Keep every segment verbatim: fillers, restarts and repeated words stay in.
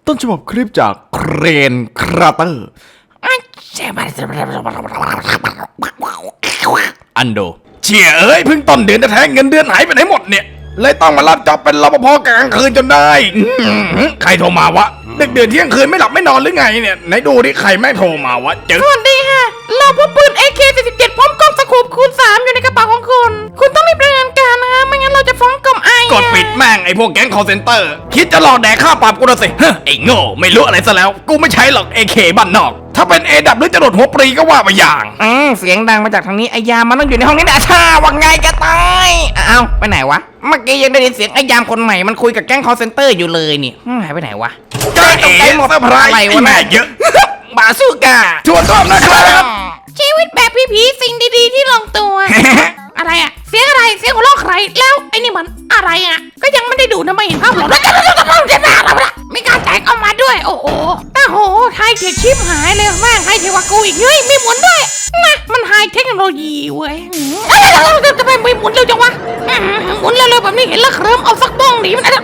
ต้นฉบับคลิปจากเครนคราเตอร์อันโดเชี่ยเอ้ยเพิ่งต้นเดือนจะแทงเงินเดือนหายไปไหนหมดเนี่ยเลยต้องมารับจ็อบเป็นรปภกลางคืนจนได้ใครโทรมาวะดึกเดือนเที่ยงคืนไม่หลับไม่นอนหรือไงเนี่ยไหนดูดิใครแม่โทรมาวะเจอสวัสดีค่ะเราพบปืน เอ เค สี่สิบเจ็ด พร้อมกล้องสโคปคูณสามอยู่ในกระเป๋าของคุณคุณต้องรีบรายงานการนะคะไม่งั้นเราจะฟ้องกรมไอกดปิดแม่งไอพวกแก๊งคอลเซ็นเตอร์คิดจะหลอกแดกค่าปรับกูนะสิไอ้โง่ไม่รู้อะไรซะแล้วกูไม่ใช้หรอก เอ เค บ้านนอกถ้าเป็น เอ ดับหรือจะโดดหัวปรีก็ว่าไปอย่างอืมเสียงดังมาจากทางนี้ไอยามมันต้องอยู่ในห้องนี้นะช่าว่าไงแกตายอ้าวไปไหนวะเมื่อกี้ยังได้ยินเสียงไอยามคนใหม่มันคุยกับแก๊งคอลเซ็นเตอร์อยู่เลยนี่หายไปไหนวะจ้าเอ๋เซอร์ไพรส์อะไรวะแม่เยอะบาซูก้าชวนชอบนะครับชีวิตแบบผีๆสิ่งดีๆที่ลงตัว อะไรอะเสียงอะไรเสียงหัวเราะใครแล้วไอ้นี่มันอะไรอะก็ยังไม่ได้ดูนะไม่เห็นภาพหรอกไม่กล้าแตกออกมาด้วยโอ้โหอ้โหไฮเทคชิปหายเลยแม่งไฮเทคกว่ากูอีกเฮ้ยมีหมุนด้วยนะมันไฮเทคโนโลยีเว้ยทำไมไม่หมุนเร็วจังวะหมุนเร็วๆแบบนี้เห็นแล้วเคลิ้มเอาสักบ้องหนีมันอะไร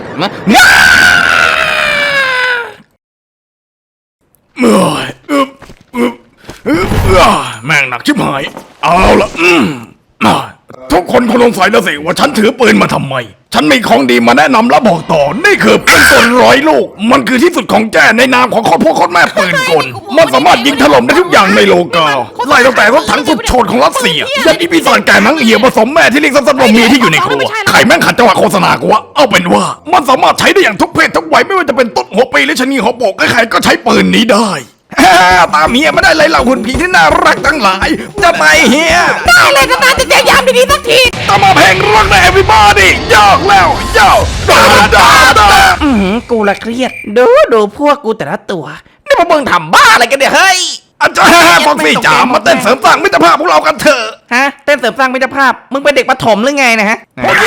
เมื่อยอึบอึบอึบแม่งหนักชิบหายเอาละอืมทุกคนคงสงสัยแล้วสิว่าฉันถือปืนมาทำไมฉันมีของดีมาแนะนำและบอกต่อนี่คือปืนกลร้อยลูกมันคือที่สุดของแจ้ในนามของคนพวกคนแม่ปืนกลมันสามารถยิงถล่มได้ทุกอย่างในโลกาไล่ตั้งแต่รถถังสุดโฉดของรัสเซียยันอีปีศาจแก่นังเหี่ยวผสมแม่ที่เลี้ยงสัตว์มีที่อยู่ในครัวใครแม่งขัดจังหวะโฆษณากูวะเอาเป็นว่ามันสามารถใช้ได้อย่างทุกเพศทุกวัยไม่ว่าจะเป็นต้นหัวปีหรือชะนีหัวโปกใครๆก็ใช้ปืนนี้ได้ตามเฮียไม่ได้เลยเหล่าหุ่นผีที่น่ารักทั้งหลายจะไปเฮียได้เลยนะจะจะยามดีๆสักทีต้องมาเพลงรักใน everybody ยอกแล้วยอกดาดาดาอืมกูละเครียดดูดูพวกกูแต่ละตัวนี่พวกมึงทำบ้าอะไรกันเนี่ยเฮ้ยอาจารย์ฟองฟี่จ๋ามาเต้นเสริมสร้างมิตรภาพพวกเรากันเถอะฮะเต้นเสริมสร้างมิตรภาพมึงเป็นเด็กประถมหรือไงนะฮะ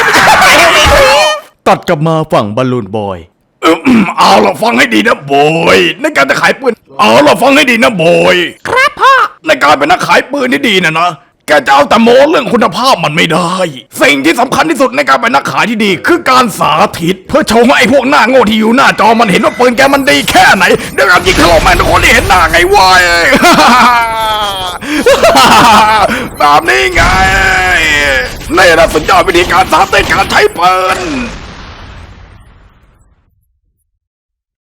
ตัดกลับมาฝั่งบอลลูนบอยเอาล่ะฟังให้ดีนะบอยในการจะขายปืนเอาล่ะฟังให้ดีนะบอยครับพ่อในการเป็นนักขายปืนที่ดีนะนะแกจะเอาแต่โม้เรื่องคุณภาพมันไม่ได้สิ่งที่สำคัญที่สุดในการเป็นนักขายที่ดีคือการสาธิตเพื่อโชว์ให้ไอ้พวกหน้าโง่ที่อยู่หน้าจอมันเห็นว่าปืนแกมันดีแค่ไหนเดี๋ยวการยิงถล่มแม่งทุกคนได้เห็นหน้าไงวะแบบนี้ไงนี่แหละสุดยอดวิธีการสาธิตการใช้ปืน